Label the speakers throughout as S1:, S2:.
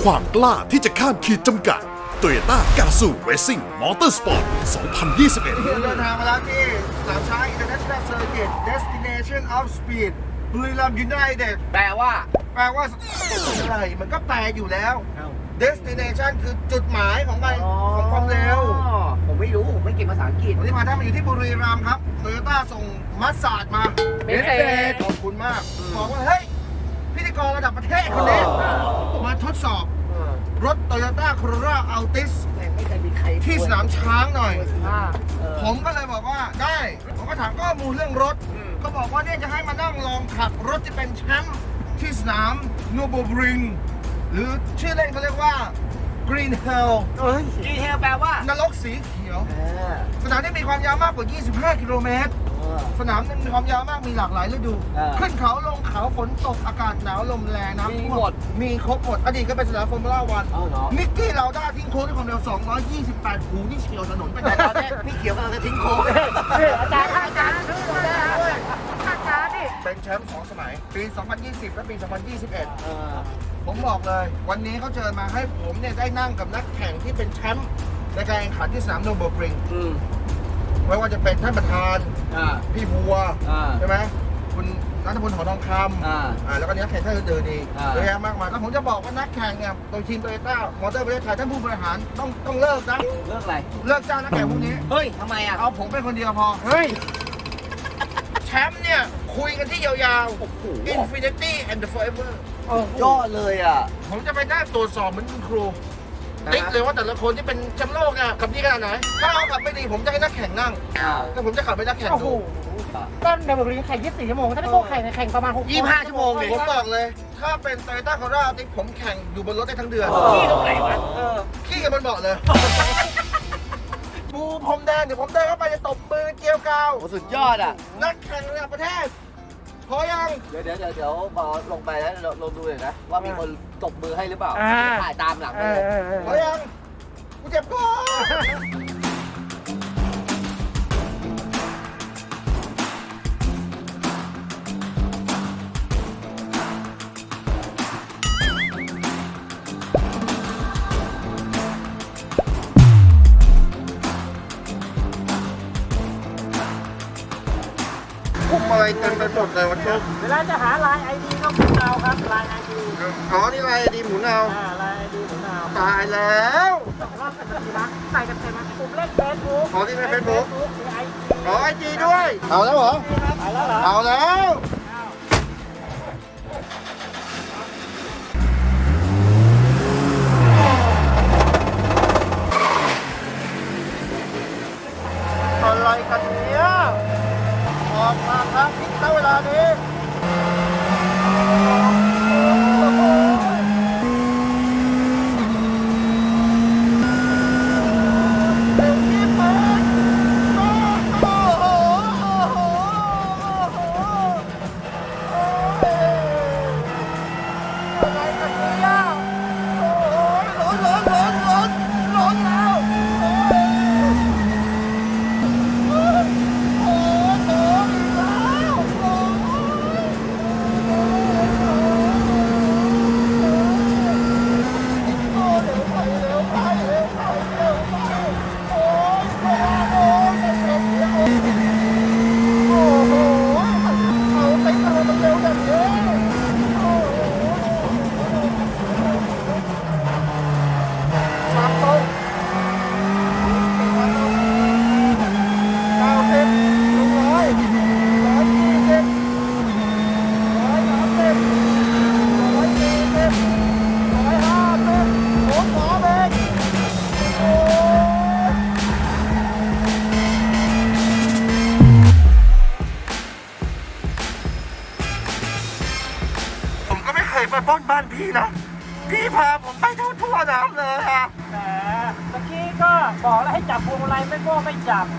S1: ความกล้าที่จะข้ามขีดจำกัด Toyota Gazoo Racing Motorsport 2021
S2: เดินทางมาแล้วที่สนามช้าง International Circuit Destination of Speed บุรีรัมย์ยูไนเต็ด
S3: แปลว่า
S2: อะไรมันก็แปลอยู่แล้ว Destination คือจุดหมายของมันของความเร็ว
S3: ผมไม่รู้ ผมไม่เก่งภาษาอังกฤษ
S2: วันนี้มาท่านมาอยู่ที่บุรีรัมย์ครับโตโยต้าส่งมัสซาดมา
S3: เบสเศษ
S2: ขอบคุณมาก บอกว่า เฮ้ย พิธีกรระดับประเทศคนนี้มาทดสอบรถ Toyota Corolla Altis
S3: ไม่เคยมีใคร
S2: ที่สนามช้างหน่อย
S3: ผ
S2: ผม มก็เลยบอกว่าได้ ผมก็ถามข้อมูลเรื่องรถ ก็บอกว่าเนี่ยจะให้มานั่งลองขับรถที่เป็นแชมป์ที่สนามนูโบริงหรือชื่อเล่นเขาเรียกว่า Green Hell
S3: ดีเทลแปลว่าน
S2: รกสีเขียว สนามที่มีความยาวมากกว่า 25 กิโลเมตร สนามนั้นมีความยาวมากมีหลากหลายฤดู ขึ้นเขาลงเขาฝนตกอากาศหนาวลมแรงน้ำท่วมมีครบหมด อดีตก็เป็นสนามฟอร์มูล่าวัน นิกกี้เราได้ทิ้งโค้งด้วยความเร็ว 228 หูที่เฉียวถนนไปไหน
S3: ตอนแรกพี่เขียวกำลังจะทิ้งโค้งอาจารย์
S2: เป็นแชมป์2 สมัย ปี 2020 และปี 2021 ผมบอกเลย วันนี้เขาเชิญมาให้ผมเนี่ยได้นั่งกับนักแข่งที่เป็นแชมป์ในการแข่งขันที่สนามโนเบิลบริงไม่ว่าจะเป็นท่านประธาน พี่บัวใช่ไหมคุณนัทพลหอทองคำแล้วก็นักแข่งท่านอื่นๆอีกเยอะแยะมากมายแล้วผมจะบอกว่านักแข่งเนี่ยโดยทีมโตโยต้ามอเตอร์ประเทศไทยท่านผู้บริหารต้องเลิกนะ
S3: เรื่องอะไร
S2: เลิกจ้างนักแข่งพวกนี้
S3: เฮ้ยทำไมอ่ะ
S2: เอาผมเป็นคนเดียวพอ
S3: เฮ้ย
S2: แชมป์เนี่ยคุยกันที่ยาวๆ Infinity and the Forever
S3: ยอดเลยอ่ะ
S2: ผมจะไปนั่งตรวจสอบเหมือนคุณครูติ๊กเลยว่าแต่ละคนที่เป็นแชมป์โลกเนี่ยขับดีขนาดไหนถ้าเขาขับไม่ดีผมจะให้นักแข่งนั่งแล้วผมจะขับให้นักแข่งดู
S4: ต้นเดบิวต์แข่ง24 ชั่วโมง ถ้าไม่โก้แข่งประมาณ6
S3: 25 ชั่วโมงเลย
S2: ผมบอกเลย ถ้าเป็นโตโยต้าคอร่าติ๊กผมแข่งอยู่บนรถได้ทั้งเดือน
S3: ที่ตรงไหนวะ
S2: ขี้กันบนเบาะเลยบูพรมแดงเดี๋ยวผมเดินเข้าไปจะตบมือเกี่ยวกาว
S3: โอ้สุดยอดอ่ะ
S2: นักแข่งระดับประเทศพอยัง
S3: เดี๋ยวพอลงไปแล้วลองดูหน่อยนะ ว่ามีคนตบมือให้หรือเปล่า ถ่ายตามหลังไปเลย
S2: พอยังกูเจ็บคอ คุมอะไรเต็มไปหมดเลยวันนี้
S4: เวลาจะหาลาย ID ก็หมุนเอาครับลาย ID
S2: อ๋อนี่อะไรดีหมุนเอา
S4: ลาย ID หมุนเอา
S2: ตายแล้ว
S4: 2 รอบกันทีละใส่กันเต็มนะปุ่มเล่น Facebook
S2: อ๋อที่ใน Facebook
S4: หรือ IG
S2: อ๋อไอจีด้วย เอาแล้วเหรอ
S4: ไปแล้วเหรอ
S2: เอาแล้วอะไรกันเนี่ยออกมาทางทิศณเวลานี้เร็วที่สุดโอ้โหอะไรกันเนี่ยโอ้ยร้อนแล้ว ผมก็ไม่เคยไปปล้นบ้านพี่นะ พี่พาผมไปทั่วน้ำเลยอะ
S4: แหมเมื่อกี้ก็บอกแล้วให้จับพวงมาลัยไม่โก้ไม่จับ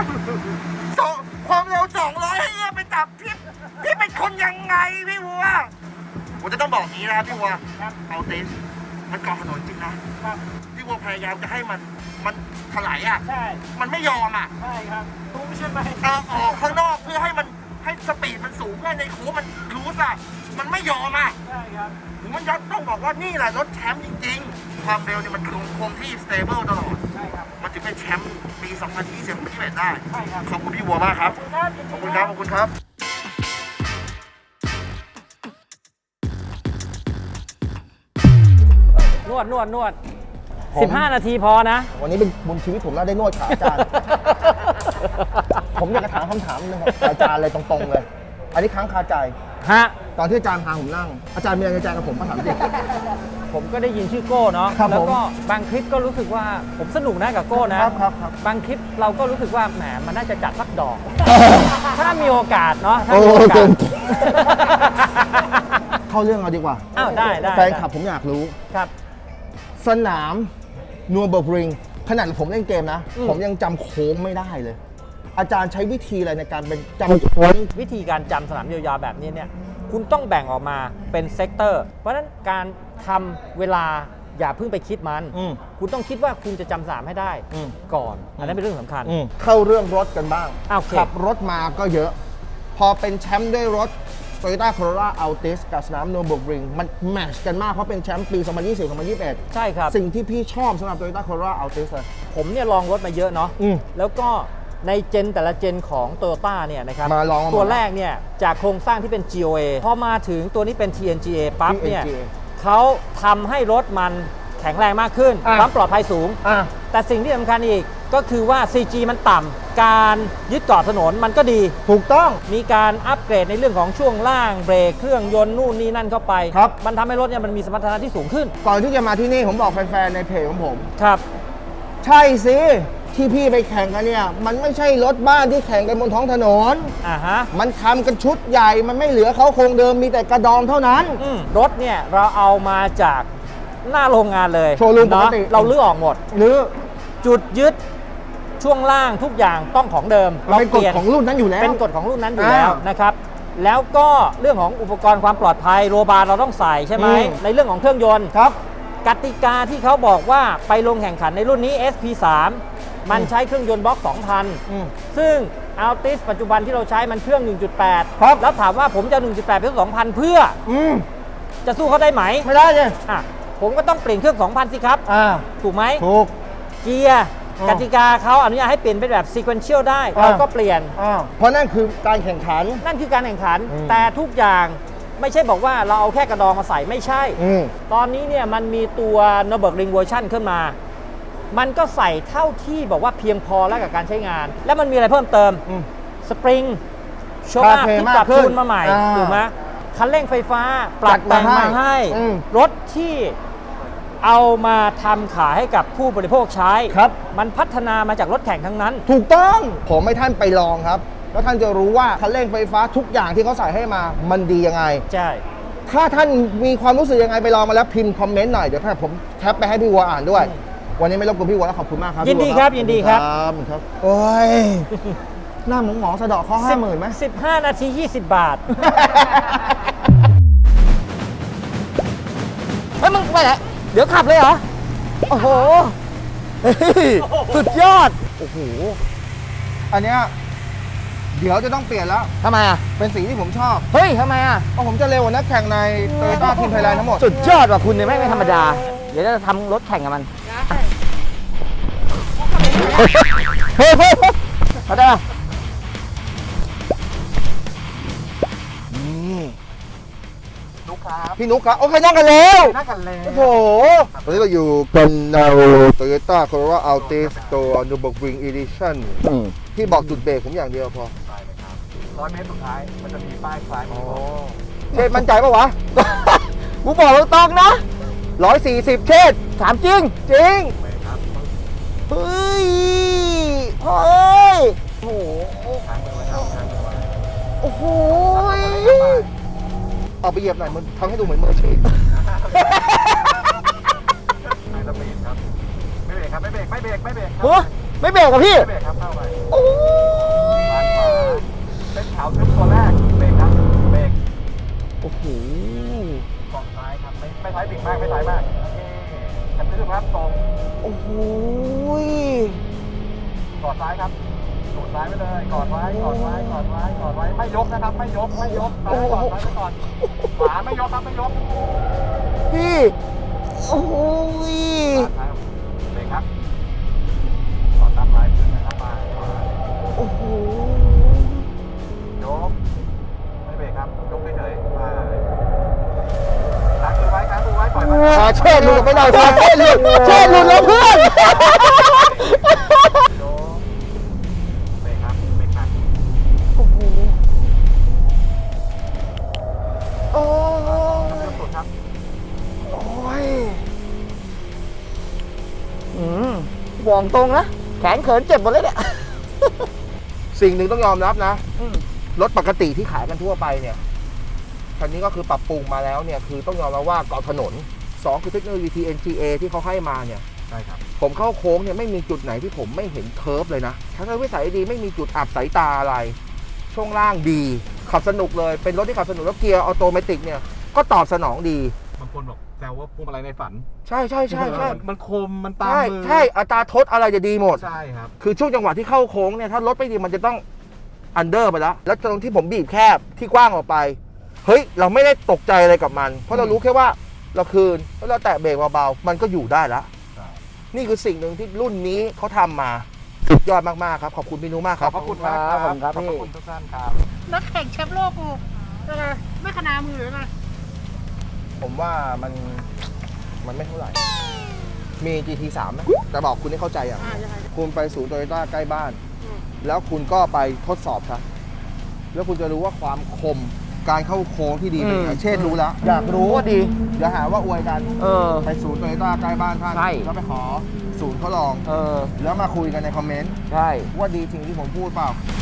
S2: ความเร็ว200ให้เนี่ยไปจับพี่เป็นคนยังไงพี่วัวผมจะต้องบอกนี้นะพี่วัว
S4: ครับ
S2: เอาติสมันเกาะถนนจริงนะครับ พี่วัวพยายามจะให้มันถลายอ่ะ
S4: ใช่
S2: มันไม่ยอมอ่ะ
S4: ใช่ครับรู้ใช่ไหม
S2: ออกข้างนอกเพื่อให้สปีดมันสูงเพื่อในโค้งมันรู้สึกมันไม่ยอมอ่ะ
S4: ใช่ครับ
S2: โหมันจะต้องบอกว่านี่แหละรถแชมป์จริงๆ ความเร็วเนี่ยมันคงที่สเตเบิลตลอด
S4: ใช่ครับ
S2: มันถึงเป็นแชมป์ปี 2020-2021 ได้
S4: ใช่ครับ
S2: ขอบคุณพี่วัวมากครับ ขอบคุณครับ ขอบคุณครับ
S4: นวด15 นาทีพอนะ
S2: วันนี้เป็นบุญชีวิตผมแล้วได้นวดขาอาจารย์ ผมอยากจะถามคำถามนึงครับอาจารย์เลยตรงๆเลย อันนี้ค้างคาใจ
S4: ฮะ
S2: ตอนที่อาจารย์พาผมนั่ง อาจารย์มีอะไรในใจกับผมมาถามจริง
S4: ผมก็ได้ยินชื่อโก้เนาะ
S2: ครับ
S4: แล้วก็
S2: ผม
S4: บางคลิปก็รู้สึกว่าผมสนุกนะกับโก้นะ
S2: ครับ
S4: บางคลิปเราก็รู้สึกว่าแหมมันน่าจะจัดสักดอก ถ้ามีโอกาสเนาะถ้า
S2: โอ้
S4: มีโอกา
S2: เกิ
S4: ส
S2: น เข้าเรื่องเอาดีกว่า
S4: อ้าวได้
S2: แฟนคลับผมอยากรู้
S4: ครับ
S2: สนามนัวเบอร์ริงขนาดผมเล่นเกมนะ
S4: อืม
S2: ผมยังจำโค้งไม่ได้เลย อาจารย์ใช้วิธีอะไรในการเป็นจำโค้ง
S4: วิธีการจำสนามยาวๆแบบนี้เนี่ยคุณต้องแบ่งออกมาเป็นเซกเตอร์ เพราะฉะนั้นการทำเวลาอย่าเพิ่งไปคิดมัน
S2: อืม
S4: คุณต้องคิดว่าคุณจะจำสนามให้ได้
S2: อืม
S4: ก่อน อันนั้นเป็นเรื่องสำคัญ
S2: เข้าเรื่องรถกันบ้าง
S4: โอเค
S2: ขับรถมาก็เยอะ พอเป็นแชมป์ด้วยรถ Toyota Corolla Altis กับสนามโนเบิลริงมันแมทช์กันมาก เพราะเป็นแชมป์ปี 2020-2021
S4: ใช่ครับ
S2: สิ่งที่พี่ชอบสำหรับ Toyota Corolla Altis เลย
S4: ผมเนี่ยลองรถมาเยอะเนาะ
S2: อืม
S4: แล้วก็ในเจนแต่ละเจนของ Toyota เนี่ยนะครับ
S2: มาลองมา
S4: ตัวแรกเนี่ยจากโครงสร้างที่เป็น GOA พอมาถึงตัวนี้เป็น TNGA ปั๊บเนี่ย
S2: TNGA
S4: เขาทำให้รถมันแข็งแรงมากขึ้น
S2: อ่ะ
S4: ความปลอดภัยสูง
S2: อ่ะ
S4: แต่สิ่งที่สำคัญอีกก็คือว่า CG มันต่ำการยึดเกาะถนนมันก็ดี
S2: ถูกต้อง
S4: มีการอัปเกรดในเรื่องของช่วงล่างเบรกเครื่องยนต์นู่นนี่นั่นเข้าไป
S2: ครับ
S4: มันทำให้รถเนี่ยมันมีสมรรถนะที่สูงขึ้น
S2: ก่อนที่จะมาที่นี่ผมบอกแฟนๆ ในเพจของผม
S4: ครับ
S2: ใช่สิ ที่พี่ไปแข่งกันเนี่ย มันไม่ใช่รถบ้านที่แข่งกันบนท้องถนน
S4: อ่าฮะ
S2: มันทำกันชุดใหญ่ มันไม่เหลือเขาโครงเดิมมีแต่กระดองเท่านั้น
S4: รถเนี่ยเราเอามาจากหน้าโรงงานเลย
S2: โชว์รูมปกติ
S4: เนาะเราลื้อออกหมด
S2: หรือ
S4: จุดยึดช่วงล่างทุกอย่างต้องของเดิม
S2: มันเป็นกฎของรุ่นนั้นอยู่แล้ว
S4: เป็นกฎของรุ่นนั้นอยู่แล้ว
S2: อ่าน
S4: นะครับ แล้วก็เรื่องของอุปกรณ์ความปลอดภัยโรบาร์เราต้องใส่ใช่ไหม ในเรื่องของเครื่องยนต์
S2: ครับ
S4: กติกาที่เขาบอกว่าไปลงแข่งขันในรุ่นนี้ SP3 มันใช้เครื่องยนต์บล็อก 2,000 ซึ่ง Altis ปัจจุบันที่เราใช้มันเครื่อง 1.8
S2: ครับ
S4: แล้วถามว่าผมจะ 1.8 เป็น 2,000 เพื่อ
S2: อืม
S4: จะสู้เขาได้ไหม
S2: ไม่ได้เลย
S4: อ่ะผมก็ต้องเปลี่ยนเครื่อง 2,000 สิครับ ถูกไหม
S2: ถูก
S4: เกียร์
S2: อืม
S4: กติกาเขาอนุญาตให้เปลี่ยนเป็นแบบ sequential ได้ เราก็เปลี่ยน
S2: เพราะนั่นคือการแข่งขัน
S4: นั่นคือการแข่งขัน
S2: อืม
S4: แต่ทุกอย่างไม่ใช่บอกว่าเราเอาแค่กระดองมาใส่ไม่ใช่
S2: อืม
S4: ตอนนี้เนี่ยมันมีตัว Nürburgring Version ขึ้นมา มันก็ใส่เท่าที่บอกว่าเพียงพอแล้วกับการใช้งาน แล้วมันมีอะไรเพิ่มเติม
S2: อืม
S4: สปริงโชว์อัพ
S2: คาเฟ่
S4: ที่ปรับ
S2: มากขึ้น
S4: จูนมาใหม่
S2: อ่า
S4: ถูกไหมคันเร่งไฟฟ้าปรับแต่ง
S2: จัดมา
S4: มา
S2: ให้
S4: ให้
S2: อืม
S4: รถที่เอามาทำขายให้กับผู้บริโภคใช้
S2: ครับ
S4: มันพัฒนามาจากรถแข่งทั้งนั้น
S2: ถูกต้อง ผมให้ท่านไปลองครับ แล้วท่านจะรู้ว่าคันเร่งไฟฟ้าทุกอย่างที่เขาใส่ให้มา มันดียังไง
S4: ใช่
S2: ถ้าท่านมีความรู้สึกยังไงไปลองมาแล้วพิมพ์คอมเมนต์หน่อย เดี๋ยวผมแคปไปให้พี่วัวอ่านด้วย วันนี้ไม่รบกวนพี่วัวแล้วขอบคุณมากครับ
S4: ยินดี
S2: พี่วัว
S4: ครับยินดีครับ
S2: ครับ โอ้ย หน้าหมองสะเดาะข้อ50,000ไหม
S4: 15 นาที 20 บาท เฮ้ยมึงไปไหนเดี๋ยวขับเลยเหรอ โอ้โหเฮ้ยสุดยอด
S2: โอ้โห อันเนี้ยเดี๋ยวจะต้องเปลี่ยนแล้ว
S4: ทำไมอ่ะ
S2: เป็นสีที่ผมชอบ
S4: เฮ้ยทำไมอ่ะ
S2: เพราะผมจะเร็วกว่านักแข่งในโตโยต้าทีมไทยแลนด์ทั้งหมด
S4: สุดยอดว่ะคุณเนี่ยไม่ธรรมดา เดี๋ยวจะทำรถแข่งกับมันเฮ้ยเขาได้
S2: พี่นุ๊กครับ โอเคนั่งกันแล้ว
S4: นักกันเลย
S2: โอ้โหตอนนี้เราอยู่กันในโตโยต้าโคโรล่าอัลติสตัวนูเบิลริงอีดิชั่นพี่บอกจุดเบรกผมอย่างเดียวพอ
S5: 100 เมตรสุดท้าย มันจะมีป้ายคล้ายมันบอก
S2: เชษมั่นใจปะวะ
S4: กูบอกตรงๆนะ
S2: 140 เชษ
S4: ถามจริง
S2: จริง
S4: เฮ้ย
S2: เฮ้ย
S4: โอ้โห
S2: โอ้โหเอาไปเหยียบหน่อยมันทำให้ดูเหมือนมืออาชีพ
S5: ไฮสปีดครับ ไม่เบรกครับ ไม่เบรก ไม่เบรก ไม่เบรกครับ
S4: เฮ้ยไม่เบรกกับพี่
S5: ไม่เบรกครับ เข้าไป
S2: โอ้ย
S5: ด้านขวาเส้นขาวทึบตัวแรก เบรกครับ เบรก
S2: โอ้โห
S5: เกาะซ้ายครับ ไม่ซ้ายบิ่งมาก ไม่ซ้ายมาก โอเคคันทึบครับตรง
S2: โอ้โห
S5: กอดซ้ายครับดูดซ้ายไปเลย กอดไว้ กอดไว้ กอดไว้ กอดไว้ ไม่ยกนะครับ ไม่ยก ไม่ยกซ้ายก่อนซ้ายไปก่อน ขวาไม่ยกครับ ไม่ยก
S2: พี่โอ้ย
S5: ซ้ายเบรกครับก่อนตามลายพื้นนะครับมา
S2: โอ้โห
S5: ยกไม่เบรกครับยกเฉยๆมาค้างมือไว้ปล่อยมัน
S2: ขอเชิดหลุดไปหน่อยขอเชิดหลุดแล้วเพื่อน
S5: ยกเบรกครับเบรกค้าง
S2: โอ้โหโอ้
S5: เริ่มสุดครับ
S2: ยบอกตรงนะแขนเขินเจ็บหมดเลยเนี่ย สิ่งหนึ่งต้องยอมรับนะรถปกติที่ขายกันทั่วไปเนี่ยคันนี้ก็คือปรับปรุงมาแล้วเนี่ยคือต้องยอมรับว่าเกาะถนน2คือเทคโนโลยี TNGA ที่เขาให้มาเนี่ย
S5: ใช่ครับ
S2: ผมเข้าโค้งเนี่ยไม่มีจุดไหนที่ผมไม่เห็นเคิร์ฟเลยนะทัศนวิสัยดีไม่มีจุดอับสายตาอะไร ช่วงล่างดี ขับสนุกเลยเป็นรถที่ขับสนุกแล้วเกียร์ออโตเมติกเนี่ยก็ตอบสนองดี
S5: บางคนบอกแซวว่าพวงมาลัยในฝัน
S2: ใช่ใช่ใช่ใช่
S5: มันคมมันตาม
S2: ใช่
S5: มือ
S2: ใช่อัตราทดอะไรจะดีหมด
S5: ใช่ครับ
S2: คือช่วงจังหวะที่เข้าโค้งเนี่ยถ้ารถไม่ดีมันจะต้องอันเดอร์ไปแล้วแล้วตรงที่ผมบีบแคบที่กว้างออกไปเฮ้ยเราไม่ได้ตกใจอะไรกับมัน เพราะเรารู้แค่ว่าเราคืนแล้วเราแตะเบรกเบาๆมันก็อยู่ได้แล้ว
S5: ใช่
S2: นี่คือสิ่งหนึ่งที่รุ่นนี้เขาทำมาสุดยอดมากๆครับขอบคุณพี่นุมาก
S5: ข
S2: ค
S5: อ
S2: รั
S5: บบ พระคุณมากครับ
S4: ขอบคุณครับ
S5: ขอบพ
S4: พี่
S5: ระคุณทุกท่านครับ
S6: นักแข่งแชมป์โลกกูอะไรไม่ขนามือหรือไง
S2: ผมว่ามันไม่เท่าไหร่ มี GT3 ไหมแต่บอกคุณให้เข้าใจอ่ะ
S6: ยังไง
S2: คุณไปศูนย์โตโยต้าใกล้บ้าน แล้วคุณก็ไปทดสอบครับแล้วคุณจะรู้ว่าความคมการเข้าโค้งที่ดีเป็นยังไงเช่นรู้แล้ว อยากรู้ว่าดีเดี๋ยวหาว่าอวยกัน ไปศูนย์โตโยต้าใกล้บ้านท่าน
S4: ใช่
S2: แล้วไปขอศูนย์เขาลอง
S4: เออ
S2: แล้วมาคุยกันในคอมเมนต์
S4: ใช่
S2: ว่าดีจริงที่ผมพูดเปล่า